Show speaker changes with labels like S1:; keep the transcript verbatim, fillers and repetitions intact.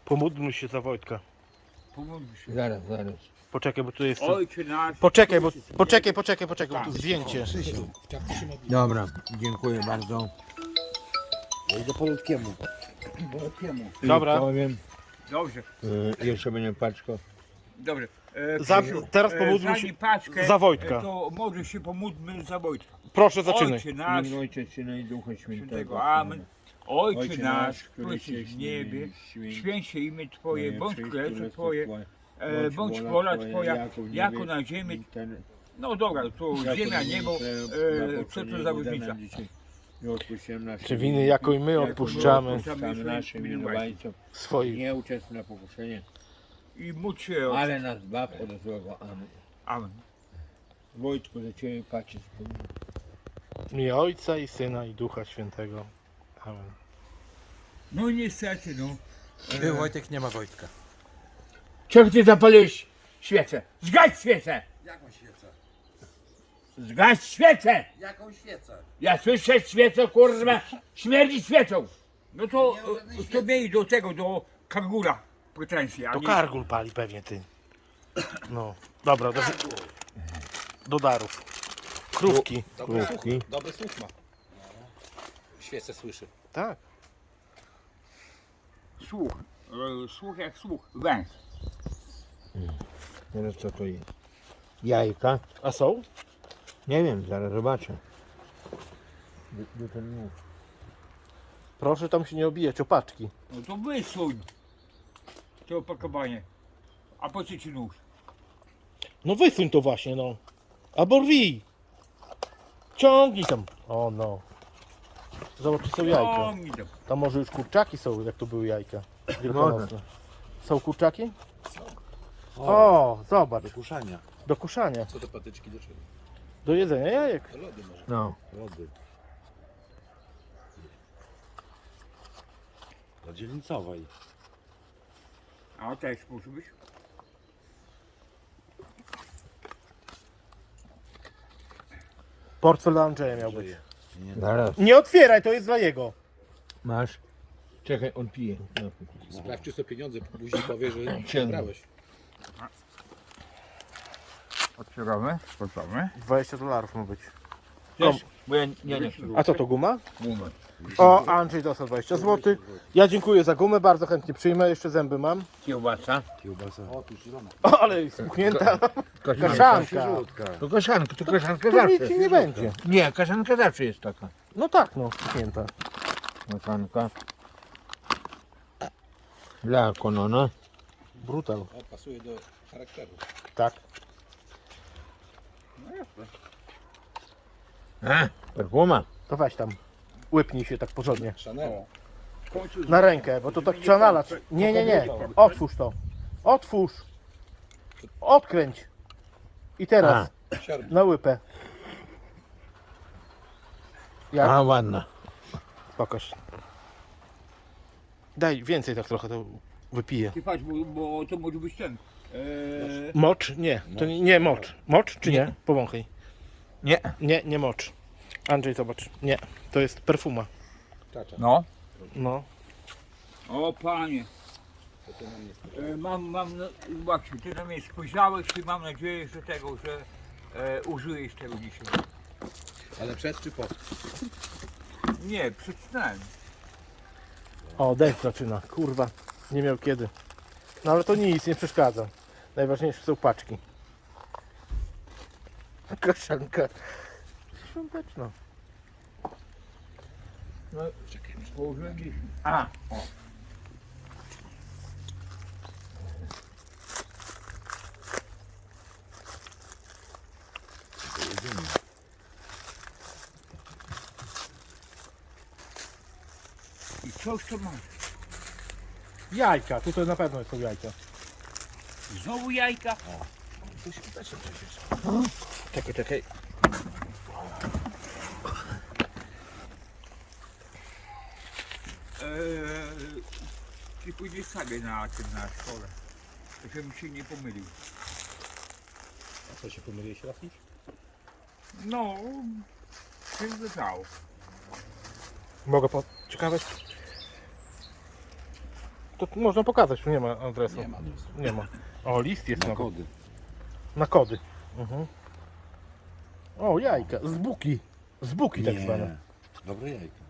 S1: Pomódlmy się za Wojtka.
S2: Pomódl się.
S3: Zaraz, zaraz.
S1: Poczekaj, bo tu jest...
S2: Ojcze nasz.
S1: Poczekaj, bo... Poczekaj, poczekaj, poczekaj, bo tu zdjęcie.
S3: Dobra, dziękuję bardzo.
S4: Ja idę po Ludkiemu.
S1: Dobra.
S3: Powiem,
S2: Dobrze,
S3: y, jeszcze będzie paczka.
S2: dobrze. E,
S1: Za-
S2: Krzysiu,
S1: teraz
S2: e,
S1: pomódlmy
S2: zanim
S1: się
S2: paczkę,
S1: za Wojtka.
S2: e, To może się pomódlmy za Wojtka.
S1: Proszę, zaczynaj.
S2: Ojcze nasz,
S3: W Ojca, Syna i Ducha Świętego.
S2: świętego, amen. Ojcze,
S3: Ojcze
S2: nasz,
S3: który
S2: który jesteś
S3: jesteś
S2: w niebie,
S3: święć
S2: święć się imię Twoje, bądź
S3: przyjdź
S2: królestwo Twoje,
S3: Twoje,
S2: e, bądź wola Twoja, jako na ziemi.
S3: ten-
S2: No dobra, to
S3: jako
S2: ziemia,
S3: na
S2: niebo,
S3: ziemi,
S2: e, co to za różnica?
S3: I odpuściłem nasze
S1: Czy winy, jako i my
S3: jako
S1: odpuszczamy
S3: odpuszczamy naszym winowajcom.
S1: swoich.
S3: Nie uczestniczy na pokuszenie,
S2: I módl się o...
S3: ale nas zbaw od złego. Amen.
S2: Amen.
S3: Wojtku, za Ciebie patrzę spełnię.
S1: W imię Ojca i Syna i Ducha Świętego. Amen.
S2: No niestety, no.
S4: Był Wojtek, nie ma Wojtka.
S2: Czemu Ty zapaliłeś świecę? Zgaś świecę!
S4: Jaką świecę?
S2: Zgaś świecę!
S4: Jaką świecę?
S2: Ja słyszę świecę, kurwa, śmierdzi świecą. No to,
S4: Nie ma żadnej
S2: to
S4: świecy.
S2: miej do tego, do kangura pretensje, a
S1: To
S2: nie...
S1: Kargul pali pewnie, ty. No, dobra, do, do darów. Krówki.
S4: Dobry
S3: Krówki.
S4: słuch, dobry słuch ma. Świecę słyszy.
S1: Tak.
S2: Słuch, e, słuch jak słuch, węż.
S3: Teraz co to jest? Jajka?
S1: A są?
S3: Nie wiem, zaraz zobaczę. Du- du- ten nóż.
S1: Proszę tam się nie obijać, opaczki.
S2: No to wysuń to opakowanie. A po co Ci nóż?
S1: No wysuń to właśnie, no. Albo rwij. Ciągnij tam. O no. Zobacz, czy są jajka.
S2: O, mi to.
S1: Tam może już kurczaki są, jak to były jajka. Wielkanocne. Są kurczaki? O, zobacz.
S4: Do kuszania.
S1: Do kuszania.
S4: Co te patyczki do czego?
S1: Do jedzenia jajek.
S4: Do lody może.
S3: No.
S4: Lody. Do dzielnicowej.
S2: A też musi być.
S1: Portfel dla Andrzeja miał być.
S4: Żyje. Nie,
S3: Zaraz.
S1: Nie otwieraj, to jest dla jego.
S3: Masz? Czekaj, on pije. No.
S4: sprawdź, czy są pieniądze, później powie, że
S3: Ciemno.
S4: brałeś.
S2: Otwieramy, sprawdzamy.
S1: dwadzieścia dolarów ma być.
S2: Też, bo ja nie, nie.
S1: A co to, guma?
S2: Moment.
S1: O, Andrzej dostał dwadzieścia złotych. Ja dziękuję za gumę, bardzo chętnie przyjmę. Jeszcze zęby mam.
S2: Kiełbasa.
S4: Kiełbasa. O, tu zielona.
S1: O, ale jest spuchnięta. Kaszanka.
S3: To kaszanka, to kaszanka
S1: To nic
S3: zawsze.
S1: ci nie będzie.
S3: Nie, kaszanka zawsze jest taka.
S1: No tak, no, spuchnięta.
S3: Kaszanka. Dla konona.
S1: Brutal.
S4: O, pasuje do charakteru.
S1: Tak.
S3: A, perfuma.
S1: To weź tam. Łypnij się tak porządnie.
S4: Chanel.
S2: W końcu
S1: Na rękę, bo to tak trzeba nalać. Nie, nie, nie. Otwórz to. Otwórz. Odkręć. I teraz
S4: Siarb.
S1: na łypę. Jak?
S3: A, ładna.
S1: Pokaż. Daj więcej tak trochę, to wypiję.
S2: Ty patrz, bo, bo to może być ten. Eee,
S1: Mocz? Nie, to nie, nie mocz. Mocz czy nie? Powąchaj.
S3: Nie.
S1: Nie, nie mocz. Andrzej, zobacz. Nie, to jest perfuma.
S4: Czacza.
S2: no.
S1: No.
S2: O panie.
S4: To to nam nie
S2: E, mam, mam, no, właśnie, ty na mnie spojrzałeś i mam nadzieję, że tego, że e, użyjesz tego dzisiaj.
S4: Ale przed czy po?
S2: Nie, przed snem.
S1: O, deszcz zaczyna. Kurwa. Nie miał kiedy. No ale to nic, nie przeszkadza. Najważniejsze są paczki. Kaszanka. Świąteczna.
S2: No, położyłem gdzieś. A, o. I coś to masz.
S1: Jajka, tutaj na pewno są jajka.
S2: Znowu jajka.
S4: To się też przecież.
S1: Czekaj, czekaj.
S2: Eee, ty pójdziesz sobie na tym, na szkole. Żebym się nie pomylił.
S4: A co, się pomyliłeś raz już?
S2: No, się zdarzało.
S1: Mogę po... Ciekawe? To tu można pokazać, tu nie ma adresu.
S4: Nie ma adresu.
S1: Nie ma. O, list jest
S4: Na
S1: nawet.
S4: kody.
S1: Na kody. Mhm. O, jajka, z buki. Z buki tak zwane.
S4: Dobre jajka.